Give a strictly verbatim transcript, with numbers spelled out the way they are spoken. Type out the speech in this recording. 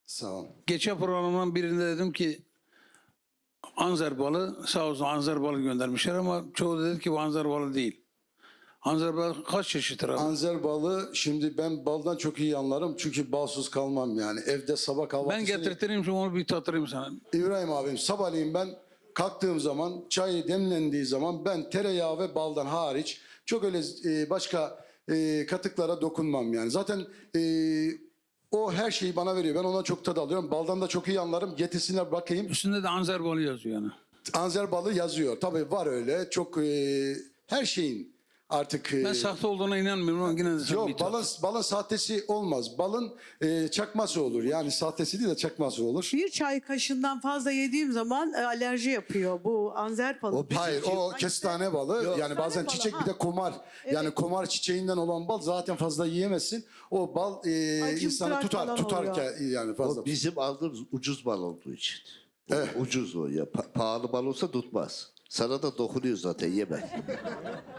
Sağ ol. Geçen programın birinde dedim ki anzer balı, sağ olsun anzer balı göndermişler ama çoğu dedi ki bu anzer balı değil. Anzer balı kaç çeşittir abi? Anzer balı, şimdi ben baldan çok iyi anlarım çünkü balsız kalmam yani. Evde sabah kahvaltısını... Ben getirtireyim şimdi onu bir tattırayım sana. İbrahim abim, sabahleyin ben kalktığım zaman, çay demlendiği zaman ben tereyağı ve baldan hariç çok öyle e, başka e, katıklara dokunmam yani. Zaten e, o her şeyi bana veriyor. Ben ona çok tad alıyorum. Baldan da çok iyi anlarım. Getirsinler bakayım. Üstünde de anzer balı yazıyor yani. Anzer balı yazıyor. Tabii var öyle. Çok e, her şeyin artık... e, Ben sahte olduğuna inanmıyorum ama yine de sen bir Yok, tat. balın, balın sahtesi olmaz. Balın e, çakması olur. Yani sahtesi değil de çakması olur. Bir çay kaşığından fazla yediğim zaman e, alerji yapıyor bu anzer balı. O bizim- Hayır, o kestane balı. Yani bazen balı, çiçek ha. bir de komar. Yani komar çiçeğinden olan bal zaten fazla yiyemezsin. O bal e, Acımtırak insanı tutar, falan tutarken yani fazla. O bizim aldığımız ucuz bal olduğu için. O Ucuz o ya. Pa- pahalı bal olsa tutmaz. Sana da dokunuyor zaten, yeme.